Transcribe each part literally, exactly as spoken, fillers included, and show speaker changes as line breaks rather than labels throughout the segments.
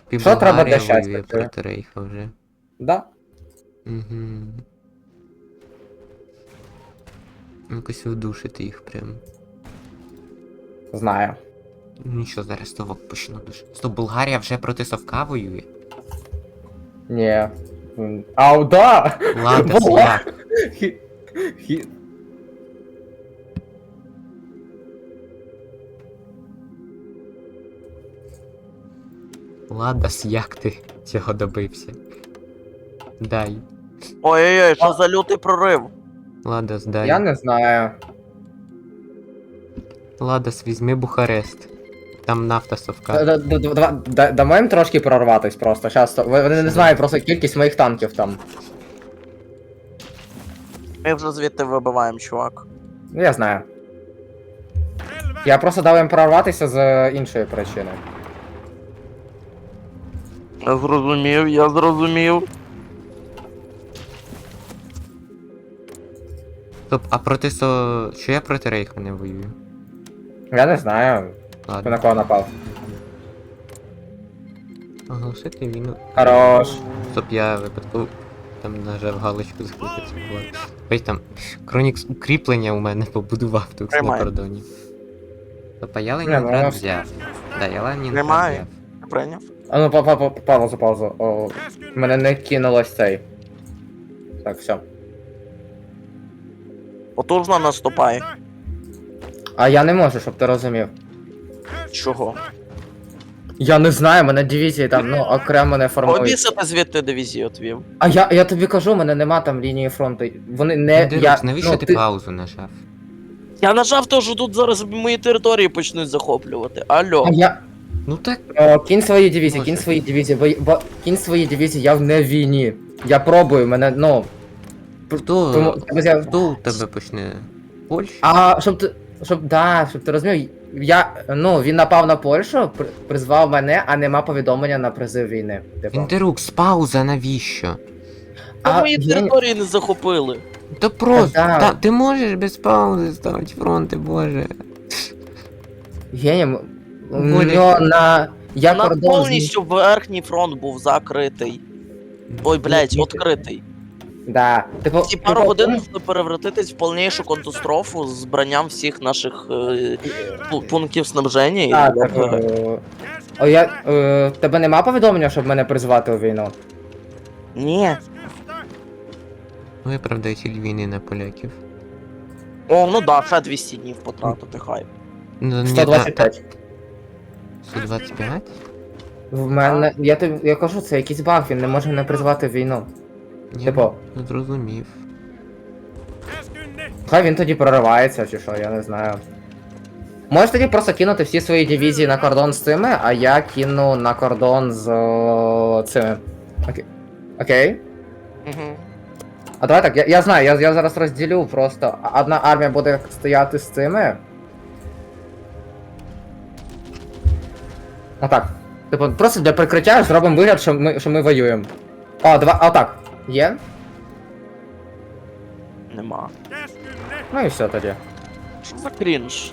І
Що треба
Болгарія
для щастя,
воює
ти?
проти Рейха вже.
Да?
Угу. Якось вдушити їх прям.
Знаю.
Ну що, зараз совок почну душити. Стоп, Болгарія вже проти совка воює?
Ні. М, Ау, да!
Ладно,
Була.
як?
Хі- хі-
Ладос, як ти цього добився? Дай.
Ой-ой-ой, що за лютий прорив?
Ладос, дай.
Я не знаю.
Ладос, візьми Бухарест. Там нафта совка.
Д- д- д- два- да- Дамо їм трошки прорватись просто. Щас, то- вони не знають просто кількість моїх танків там.
Ми вже звідти вибиваємо, чувак.
Ну, я знаю. Я просто дав їм прорватися з іншої причини.
Я зрозумів, я зрозумів.
Стоп, а проти со... Що я проти Рейха не воюю?
Я не знаю, хто
Ладно.
на кого напав.
Оголосити війну.
Хорош.
Стоп, я випадково там нажав галочку захопити влад. Ось там Кронікс укріплення у мене побудував тут на
Тримай.
кордоні. Стоп, а я
Не, ну,
Ленінград
воно-
взяв. Да, я Ленінград
Тримай.
взяв.
Прийняв.
А ну, па- па- па- паузу, паузу. О, мене не кинулось цей. Так, все.
Потужно наступай.
А я не можу, щоб ти розумів.
Чого?
Я не знаю, мене дивізії там, ну, окремо не формують.
Обісити звідти дивізію отвів.
А я, я тобі кажу, мене нема там лінії фронту. Вони не.
Дерекс,
Я,
навіщо
ну,
ти
ти...
паузу нажав?
Я нажав то, що тут зараз мої території почнуть захоплювати. Алло.
А я.
Ну так.
О, кінь свої дивізії,
Боже.
кінь свої дивізії, бо, бо кінь свої дивізії, я в не в війні. Я пробую, мене, ну.
Хто,
Тому, я-
хто у тебе почне? Польща?
А щоб ти. Щоб, да, щоб ти розумів, я. Ну, він напав на Польщу, при- призвав мене, а нема повідомлення на призив війни. Типу.
Інтерукс, пауза навіщо?
Та
А,
мої
я-
території не захопили.
Та просто,
да.
та, ти можеш без паузи ставити фронти, боже.
Генім. У
Болі.
нього на. Я
У нас
кордон. з-
повністю верхній фронт був закритий. Ой, блядь,
Ні,
відкритий.
Да. Типу,
Ці пару
типу,
годин можна перевратитись в повнішу катастрофу з збранням всіх наших е, пу- пунктів снабження. і
Так,
ОПГ.
типу, О, я. Е, тебе нема повідомлення, щоб мене призвати у війну?
Ні.
Виправдай ціль війни на поляків.
О, ну да, ще двісті днів потратити, хай.
Ну, ні,
сто двадцять
та-
п'ять.
та- сто двадцять п'ять?
В мене. Я тобі. Я кажу, це якийсь баг, він не може мене призвати в війну.
Ні,
Типу.
ну, зрозумів.
Хай він тоді проривається, чи що, я не знаю. Можеш тоді просто кинути всі свої дивізії на кордон з цими, а я кину на кордон з о, цими. Окей. Окей?
Угу.
А давай так, я, я знаю, я, я зараз розділю просто. Одна армія буде стояти з цими. Отак. Типу, просто для прикриття зробимо вигляд, що ми, що ми воюємо. О, давай, отак. Є?
Нема.
Ну і все тоді.
Що за крінж?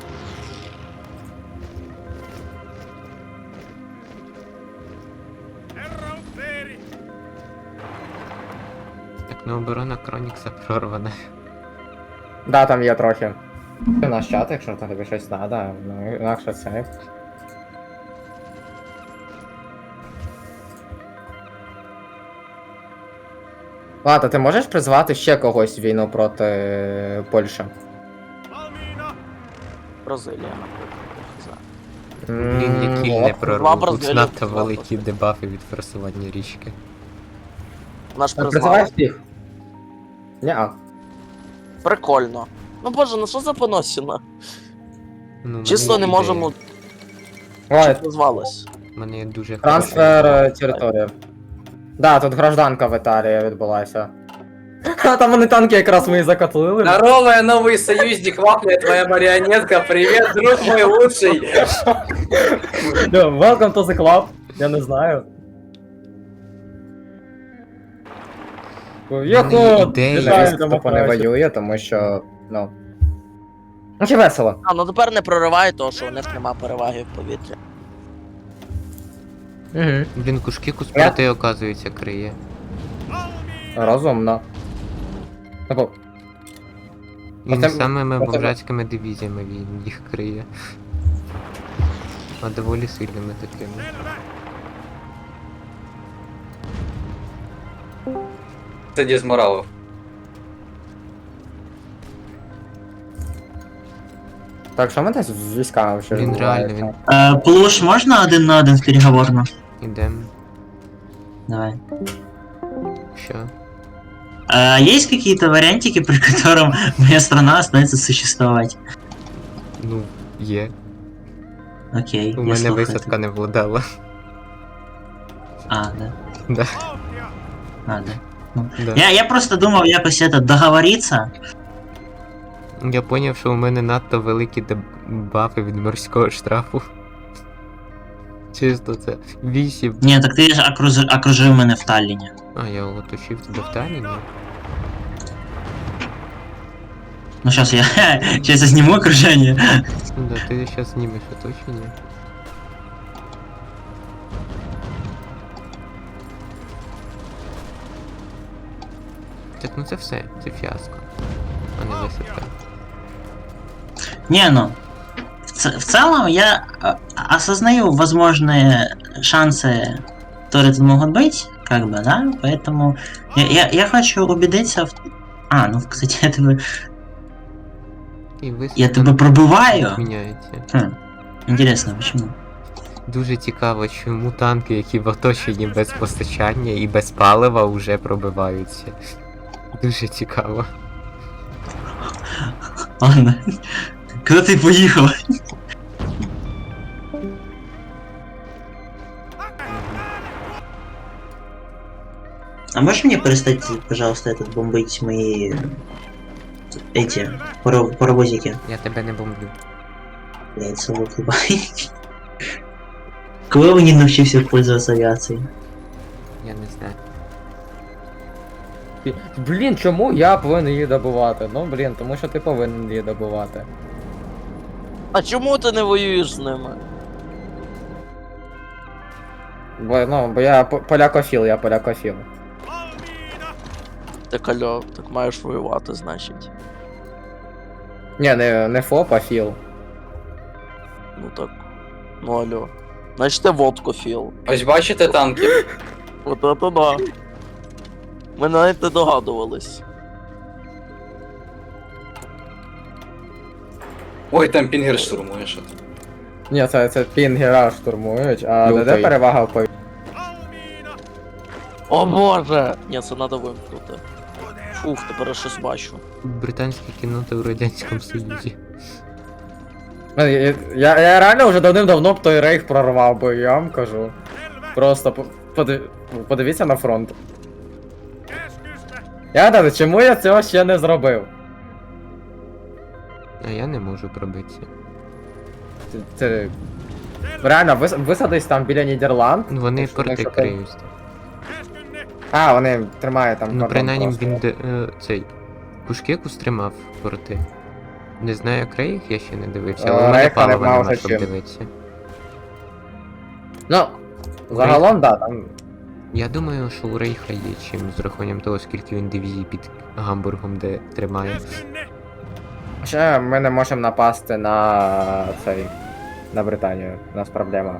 Так, ну оборона Кронікса прорвана.
Да, там є трохи. У нас чат, якщо там тобі щось треба, ну інакше це. Ладно, ти можеш призвати ще когось в війну проти е, Польщі?
Бразилія, наприклад.
Блін,
М,
які
от.
не
Два
прорву. Тут
Бразилії,
надто
два
великі
Бразилії.
дебафи від форсування річки.
Наш
Призивай
призвали.
всіх. Ні-а.
Прикольно. Ну боже, ну що за поносіна?
Ну, в
Чисто
мене
не
є
можемо.
Ой,
Що назвалось?
ідея. В мене є дуже
трансфер
хороша
е, території. Да, тут гражданка в Італії відбулася. А там вони танки якраз ми і закотлили.
Здорово, я новый союзник, вафля, твоя марионетка. Привет, друг мой лучший.
Да, Welcome to the club. Я не знаю.
мене
Йоху!
є ідея.
Жаль, тупо не воює, тому що, ну. Ну, чи весело.
А, ну тепер не проривай то, що у них нема переваги в повітрі.
Угу.
Він кушкіку
Я-
спроти, оказується, криє.
Розумно. Типу,
Він
Оце-
самими
оце-
бомжацькими дивізіями він їх криє. А доволі сильними такими.
Це дізморалов.
так, що ми десь з військами ще
Він реально, він
Е, Плуш, можна один на один в переговорну?
ідем.
Давай.
Що?
А есть какие-то вариантики, при котором моя страна останется существовать?
Ну, є.
Окей,
У
я
мене
слухаю
висадка не владала.
А, да.
Да.
А, да.
Да.
Я, я просто думал якось это договориться.
Я поняв, що у мене надто великі дебафи від морського штрафу. Чисто це. Вісім.
Не, так ты же окружи, окружив мене в Таллине.
А, я оточив тебе в Талліні?
Ну сейчас я, сейчас я сниму окружение.
Ну да, ти зараз знімеш оточення. Так, ну це все, це фіаско. А не висадка.
Не, ну, в, ц- в целом я э, осознаю возможные шансы, которые тут могут быть, как бы, да, поэтому я, я, я хочу убедиться в... А, ну, кстати, я тебе,
І висадка
я тебе пробиваю.
міняється.
Хм, интересно, почему?
Дуже цікаво, чому танки, які в оточенні без постачання і без палива, вже пробиваються. Дуже цікаво.
Ладно. Куда ты поехал? А можешь мне перестать, пожалуйста, этот бомбить мои эти паро- паровозики?
Я тебе не бомблю.
Блять, совок ебать. Кого вы не научился пользоваться авиацией?
Я не знаю.
Блін, чому я повинен її добувати? Ну блін, тому що ти повинен її добувати.
А чому ти не воюєш з ними?
Бо, ну, бо я по- полякофіл, я полякофіл.
Так алло, так маєш воювати, значить.
Ні, не, не ФОП, а філ.
Ну так. Ну алло. Значить ти водкофіл.
Ось бачите танки?
От это да. Ми навіть не догадувались.
Ой, там пінгер штурмує що.
Ні, це, це пінгера штурмують, а
Лютий.
де перевага в повітрі?
О боже! Ні, це треба вимкнути. Фух, тепер я щось бачу.
Британська кіннота у Радянському Союзі.
Ну, Я, я, я реально вже давним-давно б той рейх прорвав би, я вам кажу. Просто по- подив... подивіться на фронт. Я гадаю, чому я цього ще не зробив?
А я не можу пробитися.
Це, це... Реально, вис... висадись там біля Нідерланд.
Ну, Вони
Якщо-
порти
якщо ти-
криють.
А, вони тримають там
Ну,
кордон
принаймні
просто.
він де, е, цей. Кушкеку стримав порти. Не знаю, як Рейх, я ще не дивився, але
Е,
у мене
Рейха
палива
нема
нема,
вже
щоб
чим.
дивитися.
Ну, загалом, да, там.
Я думаю, що у Рейха є чим з рахуванням того, скільки він дивізій під Гамбургом де тримає.
Ще ми не можемо напасти на цей. На Британію. У нас проблема.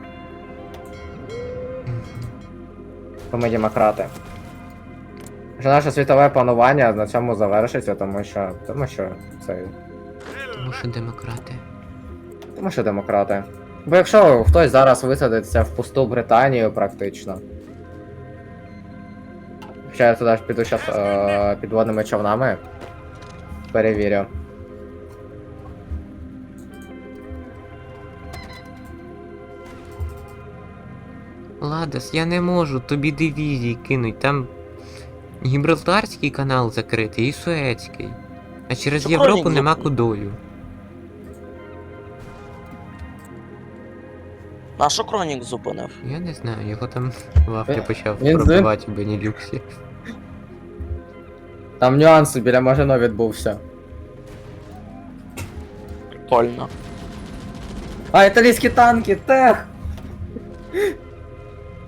Бо ми демократи. Що наше світове панування на цьому завершиться, тому що. Тому що це.
Тому що демократи.
Тому що демократи. Бо якщо хтось зараз висадиться в пусту Британію практично. Хоча я туди ж піду щас е, підводними човнами. Перевірю.
Ладос, я не можу тобі дивізії кинуть, там Гібралтарський канал закритий і Суецький. А через
Що
Європу
Хронік
нема
закрив?
кудою.
На що Кронік зупинив?
Я не знаю, його там Лавки
Він-
почав
він з-
пробивати в Бенілюксі.
Там нюанси біля Мажино відбувся.
Прикольно.
А, італійські танки, тех!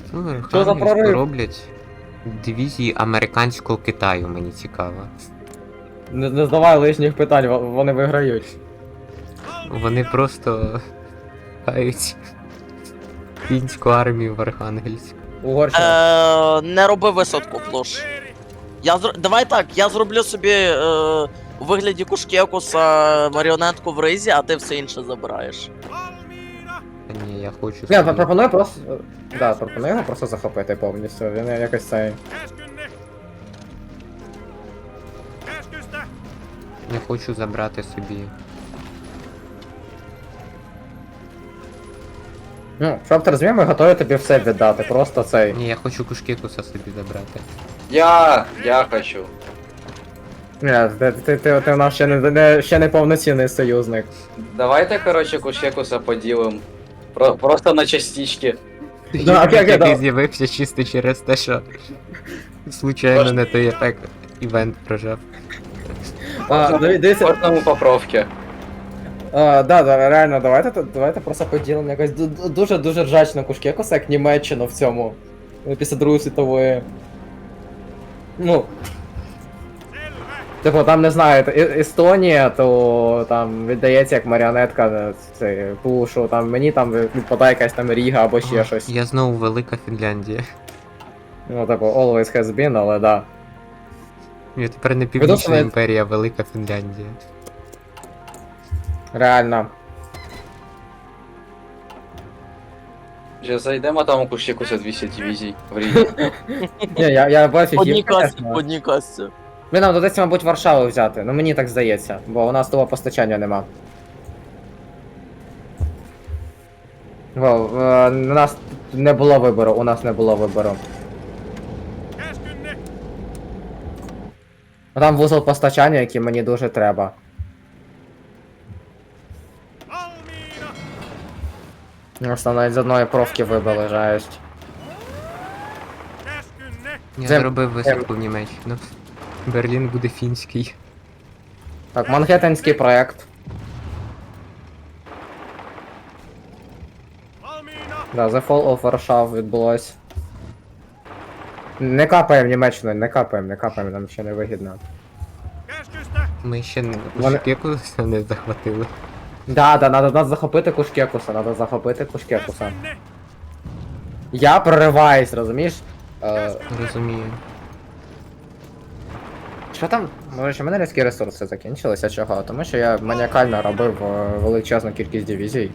Ну,
Що за
Архангельську
прорив?
роблять дивізії американського Китаю, мені цікаво.
Не, не здавай лишніх питань, во- вони виграють.
Вони просто хають фінську армію в Архангельську.
Угорщина.
Е, не роби висадку, плош. Я зр... Давай так, я зроблю собі е, у вигляді кушкекуса маріонетку в ризі, а ти все інше забираєш.
Та ні, я хочу
Ні,
собі...
пропоную просто. Да, пропоную його просто захопити повністю. Він якось цей.
Я хочу забрати собі.
Ну, щоб ти розумів, ми готові тобі все віддати. Просто цей.
Ні, я хочу кушкекуса собі забрати.
Я, я хочу.
Ні, ти, ти, ти, ти у нас ще не, не, ще не повноцінний союзник.
Давайте, короче, кушекуса поділим. Про, просто на частички.
Да, окей, окей,
Який
да.
з'явився чисто через те, що случайно не той ефект івент прожав.
А, диві- дивіться,
Кожному по профки.
а, да, да, реально, давайте, тут- давайте просто поділимо якось ду- ду- дуже-дуже ржачно кушкекуса, як Німеччину в цьому. ну, Після Другої світової. Ну. Типу, там не знаю, Е- Естонія, то там віддається як маріонетка на цей пушу, там мені там відпадає якась там Ріга або ще
О,
щось.
Я знову велика Фінляндія.
Ну, типу, always has been, але да.
Я тепер не Північна
Відносно-
імперія, а велика Фінляндія.
Реально.
Вже зайдемо, там у кушекуса двісті дивізій в Різі.
Ні, я, я бачу
По одній
їх,
касті,
чесно.
по одній касті.
Ми нам доведеться, мабуть, Варшаву взяти, ну мені так здається, бо у нас того постачання нема. Во, е, у нас не було вибору, у нас не було вибору. А Там вузол постачання, який мені дуже треба. Ось там навіть з одної профки вибили, жесть.
Я
Це-
зробив висадку в Німеччину. Берлін буде фінський.
Так, Манхеттенський проект. Да, The Fall of Warsaw відбулось. Не капаємо Німеччину, не капаємо, не капаємо, нам ще не вигідно.
Ми ще не
Вони-
кушкекуса не захватили.
Да, да, надо, надо захопити Кушкекуса, надо захопити Кушкекуса. Я прориваюсь, розумієш? Е,
Розумію.
що там? Може, що в мене людські ресурси закінчилися чого? Тому що я маніакально робив е, величезну кількість дивізій.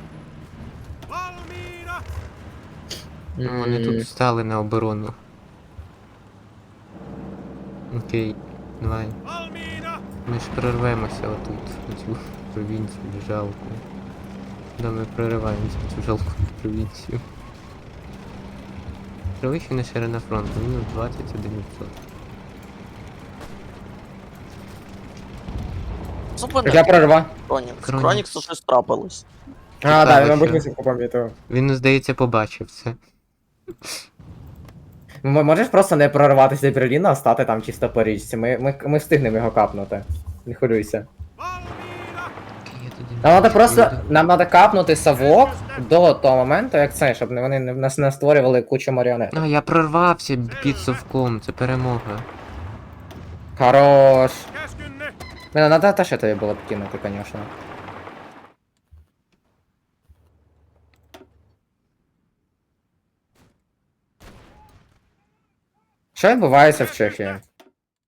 Ну, вони
М,
тут стали на оборону. Окей, давай. Ми ж прорвемося отут, в цю провінцію жалку. Да, ми прориваємося в цю жалку провінцію. Перевищена ширина фронту, мінус двадцять один відсоток.
Так я
Зупини.
прорва.
Кронікс.
Кронікс.
Кроніксу щось трапилось.
А, да,
Цікаво,
він, мабуть,
що-
висівку помітив.
Він, здається, побачив це.
М- Можеш просто не прорватися до Берліна, а стати там чисто по річці. Ми, ми, ми встигнемо його капнути. Не хвилюйся.
Окей, я тоді
Нам треба
не
просто.
буду.
Нам треба капнути совок до того моменту, як це, щоб не- вони не- нас не створювали кучу маріонет.
А, я прорвався під совком, це перемога.
Хорош. Блин, надо теж тобі було б кинути, конечно. Що відбувається в Чехії?